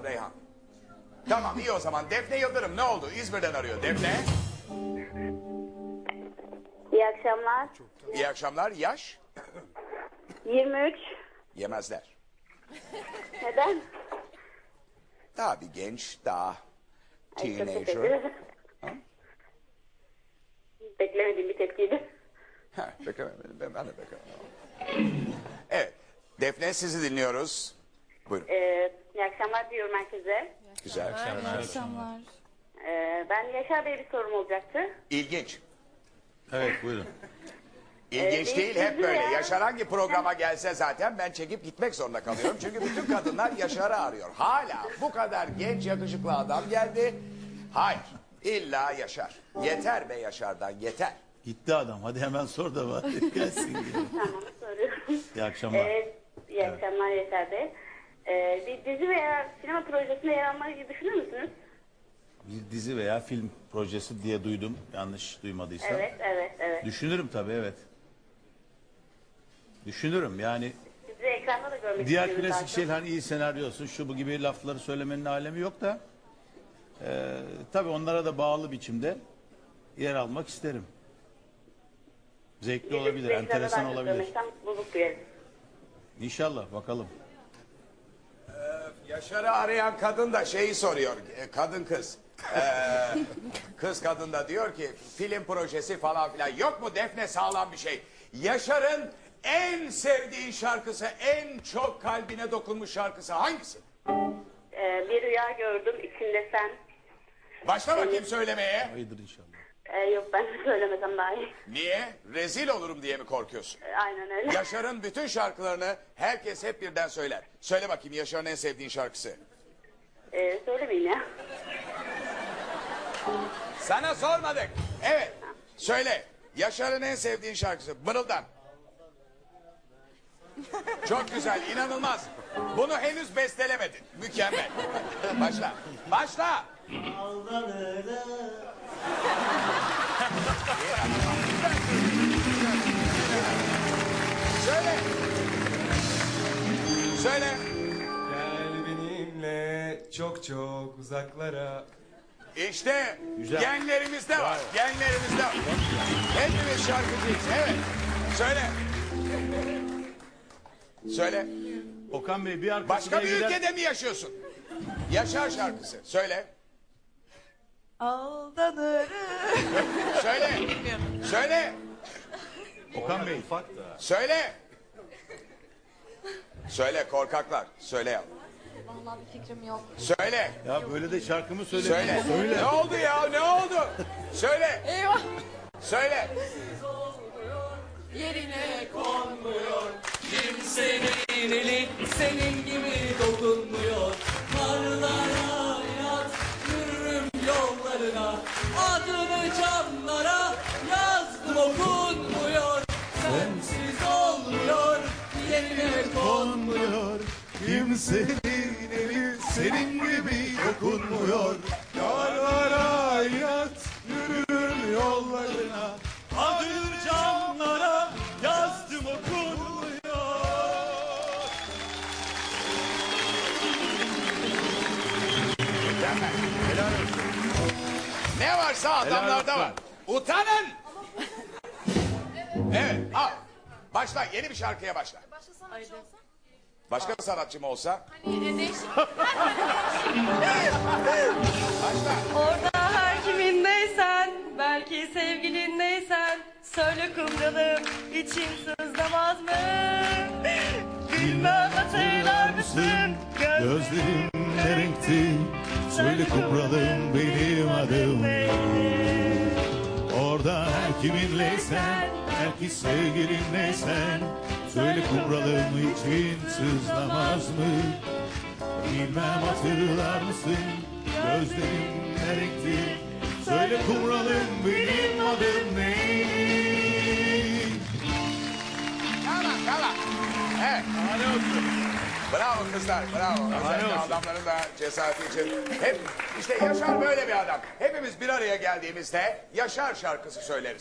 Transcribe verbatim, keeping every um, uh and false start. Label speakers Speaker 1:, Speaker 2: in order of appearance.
Speaker 1: Reyhan. Tamam iyi o zaman. Defne Yıldırım ne oldu? İzmir'den arıyor. Defne.
Speaker 2: İyi akşamlar.
Speaker 1: İyi akşamlar. Yaş?
Speaker 2: yirmi üç.
Speaker 1: Yemezler.
Speaker 2: Neden?
Speaker 1: Daha bir genç, daha
Speaker 2: Ay, çok teşekkür
Speaker 1: teenager.
Speaker 2: ederim. Beklemediğim bir tepkiydi.
Speaker 1: Ha, beklemedim. Ben, ben de beklemedim. Evet. Defne sizi dinliyoruz. Buyurun.
Speaker 2: Ee, iyi akşamlar diyorum herkese.
Speaker 1: Güzel.
Speaker 3: İyi akşamlar.
Speaker 2: Ee, ben Yaşar Bey'e bir sorum olacaktı.
Speaker 1: İlginç.
Speaker 4: Evet buyurun.
Speaker 1: İlginç
Speaker 2: Ee,
Speaker 1: değil, hep
Speaker 2: sizi
Speaker 1: böyle.
Speaker 2: ya-
Speaker 1: Yaşar hangi programa gelse zaten ben çekip gitmek zorunda kalıyorum. Çünkü bütün kadınlar Yaşar'ı arıyor. Hala bu kadar genç yakışıklı adam geldi. Hayır, illa Yaşar. Yeter be Yaşar'dan, yeter.
Speaker 4: Gitti adam. Hadi hemen sor da var. Gelsin. diye.
Speaker 2: Tamam, soruyorum.
Speaker 4: İyi akşamlar.
Speaker 2: Ee, iyi akşamlar Yaşar Bey. Ee, bir dizi veya sinema projesinde yer almayı düşünür müsünüz?
Speaker 4: Bir dizi veya film projesi diye duydum. Yanlış duymadıysam.
Speaker 2: Evet, evet, evet.
Speaker 4: Düşünürüm tabii evet. Düşünürüm yani.
Speaker 2: Sizi ekranda da görmek
Speaker 4: Diğer
Speaker 2: istiyorum
Speaker 4: klasik
Speaker 2: zaten.
Speaker 4: şeyler hani iyi senaryosun şu bu gibi lafları söylemenin alemi yok da. E, tabii onlara da bağlı biçimde yer almak isterim. Zevkli
Speaker 2: Sizi
Speaker 4: olabilir,
Speaker 2: ekranda
Speaker 4: enteresan
Speaker 2: daha çok
Speaker 4: olabilir.
Speaker 2: görmekten mutluluk duyarım.
Speaker 4: İnşallah bakalım.
Speaker 1: Yaşar'ı arayan kadın da şeyi soruyor. e, Kadın kız. Ee, kız kadın da diyor ki film projesi falan filan. Yok mu Defne sağlam bir şey? Yaşar'ın en sevdiği şarkısı, en çok kalbine dokunmuş şarkısı hangisi?
Speaker 2: Ee, bir rüya gördüm içinde sen.
Speaker 1: Başla bakayım söylemeye.
Speaker 4: Hayırdır inşallah.
Speaker 2: Ee, yok ben söylemesem daha iyi.
Speaker 1: Niye? Rezil olurum diye mi korkuyorsun?
Speaker 2: Ee, aynen öyle.
Speaker 1: Yaşar'ın bütün şarkılarını herkes hep birden söyler. Söyle bakayım Yaşar'ın en sevdiğin şarkısı.
Speaker 2: Ee, söylemeyin ya.
Speaker 1: Sana sormadık. Evet. Söyle. Yaşar'ın en sevdiğin şarkısı. Mırıldan. Çok güzel. İnanılmaz. Bunu henüz bestelemedin. Mükemmel. Başla. Başla. Söyle. Söyle.
Speaker 5: Gel benimle çok çok uzaklara.
Speaker 1: İşte
Speaker 4: Güzel.
Speaker 1: genlerimizde var. Genlerimizde var. Hepimiz şarkıcıyız. Evet. Söyle. Söyle.
Speaker 4: Okan Bey bir arkadaşına
Speaker 1: Başka bir
Speaker 4: gider...
Speaker 1: ülkede mi yaşıyorsun? Yaşar şarkısı. Söyle.
Speaker 3: Aldanırım.
Speaker 1: Söyle. Söyle.
Speaker 4: Okan Bey.
Speaker 1: Söyle. Söyle korkaklar. Söyle ya.
Speaker 3: Vallahi bir fikrim yok.
Speaker 1: Söyle.
Speaker 4: Ya böyle de şarkımı söyle.
Speaker 1: Söyle.
Speaker 4: Söyle.
Speaker 1: Ne oldu ya? Ne oldu? Söyle.
Speaker 3: Eyvah.
Speaker 1: Söyle.
Speaker 3: Yerine
Speaker 6: Kimsenin eli senin gibi dokunmuyor. Karlara yaz, yürürüm yollarına. Adını camlara yazdım okunmuyor. Sensiz olmuyor, yerine
Speaker 4: Konmuyor. Kimsenin eli senin gibi dokunmuyor. Karlara hayat yürürüm yollarına. Adını camlara yazdım okunmuyor.
Speaker 1: Mükemmel. Helal olsun. Ne varsa adamlarda var. Utanın. Evet. Al. Başla. Yeni bir şarkıya başla.
Speaker 3: Başka sanatçı olsa?
Speaker 1: Başka bir sanatçı mı olsa?
Speaker 3: Hani değişik.
Speaker 1: Başla.
Speaker 7: Orada her kimindeysen, belki sevgilindeysen, söyle kumralım için sızlamaz mı? Bilmem hatırlar mısın?
Speaker 4: Gözlerim ne renkti? Söyle kumralım benim adım ne? Orada her kiminleysen, belki sevgilinleysen, söyle kumralım için sızlamaz mı? Bilmem hatırlar mısın? Gözlerim ne renkti? Söyle kumralım benim adım ne?
Speaker 1: Tamam tamam. Evet. Bravo kızlar, bravo. Özellikle adamların da cesareti için. Hep işte Yaşar böyle bir adam. Hepimiz bir araya geldiğimizde Yaşar şarkısı söyleriz.